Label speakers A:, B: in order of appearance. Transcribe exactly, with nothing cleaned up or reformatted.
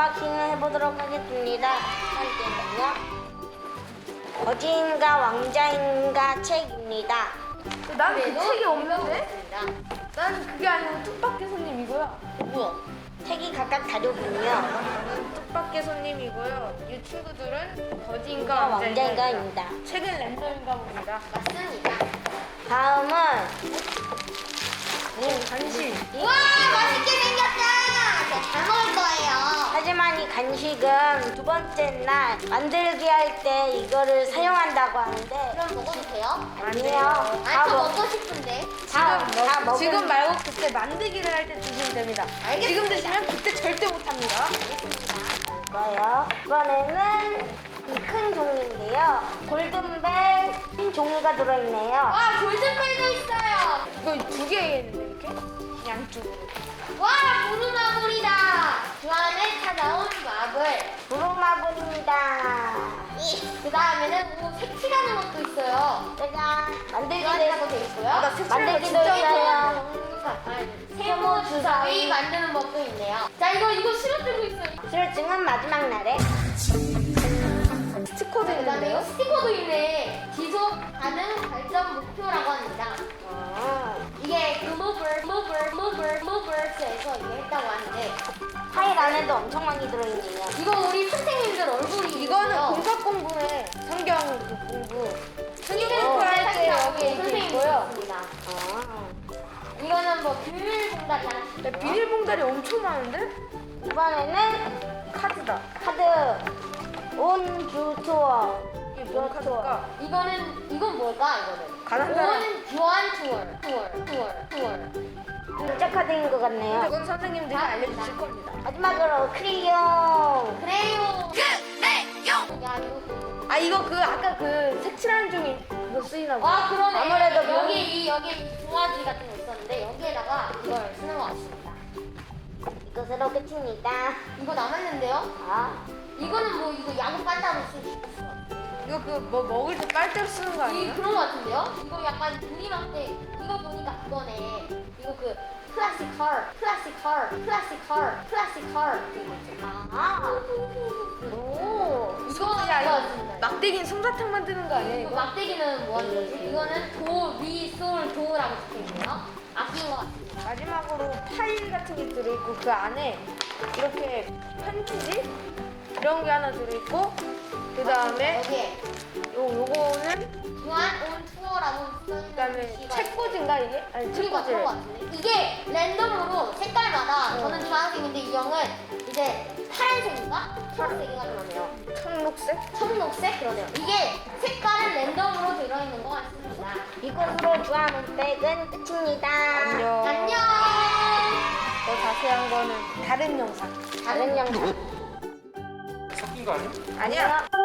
A: 언박싱을 해보도록 하겠습니다. 첫 번째는요. 거지인가 왕자인가 책입니다.
B: 난 그
C: 그래도
B: 책이 없는데?
C: 읽어보겠습니다.
B: 난 그게 아니고 뚝박개 손님 이거야.
C: 뭐야?
A: 책이 각각 다르군요.
B: 나는 뚝박개 손님이고요. 이 친구들은 거지인가
A: 왕자인가
B: 왕자인가입니다.
A: 왕자인가입니다.
B: 책은 랜덤인가 봅니다.
C: 맞습니다.
A: 다음은
B: 간식.
C: 와, 맛있게 생겼다. 제가 잘 먹을 거예요.
A: 하지만 이 간식은 두 번째 날 만들기 할 때 이거를 사용한다고 하는데
C: 그럼 먹어도 돼요?
A: 아니에요.
C: 아,
A: 다,
C: 저
A: 먹,
C: 먹고 싶은데.
A: 다,
B: 지금,
A: 다
B: 먹,
A: 먹은
B: 지금 말고 그때 만들기를 할 때 드시면 됩니다.
C: 알겠습니다.
B: 지금 드시면 그때 절대 못합니다.
A: 거예요. 이번에는 이 큰 종이인데요. 골든벨 흰 종이가 들어있네요.
C: 와, 골든벨도 있어요.
B: 이거 두 개겠는데 이렇게? 양쪽으로.
C: 와, 부루마블이다. 그 안에 다 나온 마블.
A: 부루마블입니다.
C: 그 다음에는 뭐 색칠하는 것도 있어요.
A: 짜잔. 만들기
C: 만들기도
A: 돼
C: 돼 있고요.
B: 아, 나 색칠하는 거
A: 만들기도
B: 진짜
A: 있어요.
C: 세모 주사위 만드는 법도 있네요. 자, 이거 이거 실어들고 있어요.
A: 실증은 마지막 날에
B: 스티커도
C: 그 다음에
B: 있는데요?
C: 스티커도 있네. 지속 가능 발전 목표라고 합니다.
A: 어,
C: 이게 글로벌, 글로벌, 글로벌, 글로벌스에서 이거 했다고 하는데
A: 파일 안에도 엄청 많이 들어있네요.
C: 이거 우리 선생님들 얼굴이
B: 이거는
C: 있어요.
B: 공사 공부에 성경 그 공부.
C: 이름
B: 공부할 때
C: 살짝
B: 여기 이렇게
C: 선생님이
B: 있고요.
C: 있습니다.
A: 어.
C: 이거는 뭐 비밀 봉다리 하나씩
B: 야, 비닐봉다리 엄청 많은데?
A: 이번에는
B: 카드다.
A: 카드 온주 투어.
B: 이게 뭔 카드일까?
C: 이거는 이건 뭘까 이거는?
B: 가난 사람.
C: 온 교환 투어 투어 투어 투어.
A: 진짜 카드인 것 같네요.
B: 이건 선생님들이 알려주실 겁니다.
A: 마지막으로 크리용.
C: 그래요. 그래요. 야 이거.
B: 아 이거 그 아까 그 색칠하는 종이 그거 쓰이나 봐.
C: 와 그러네.
A: 아무래도
C: 여기 이 여기 이 도화지 같은 거 있었는데 여기에다가 이걸 쓰는 것 같습니다.
A: 이것으로 끝입니다.
C: 이거 남았는데요?
A: 아,
C: 이거는 뭐 이거 야구 빤다로 쓸 수 있어.
B: 이거 그 뭐 먹을 때 빨대로 쓰는 거
C: 이
B: 아니에요?
C: 그런 거 같은데요? 이거 약간 그림할 때 이거 보니까 그거네. 이거 그 클래식 컬, 클래식 컬, 클래식 컬, 클래식 컬 이거 있잖아.
A: 아,
C: 오, 이거
B: 야 이거
C: 이거
B: 막대기는 솜사탕 만드는 거 아니야
C: 이거
B: 이거?
C: 막대기는 뭐 하는 거지? 이거는 도, 미, 솔, 도라고 적혀있네요. 아낀 것 같습니다.
B: 마지막으로 파일 같은 게 들어있고 그 안에 이렇게 편지지 이런 게 하나 들어있고 그 다음에
C: 여기에
B: 요 요거는
C: 교환 온 투어라고 써있는
B: 그 다음에
C: 글씨가
B: 책꽂인가 이게? 아니
C: 그리고 그런 것
B: 책꽂이.
C: 같은데 이게 랜덤으로 색깔마다
B: 어.
C: 저는 주황색인데 이 형은 이제 파란색인가? 초록색인가 그러네요.
B: 청록색?
C: 청록색 그러네요. 이게 색깔은 랜덤으로 들어있는 것 같습니다.
A: 이것으로 주하는 백은 끝입니다.
B: 안녕.
C: 안녕.
B: 더 자세한 거는 다른 영상.
A: 다른 영상.
D: 섞인 거 아니야?
B: 아니야.
A: 안녕.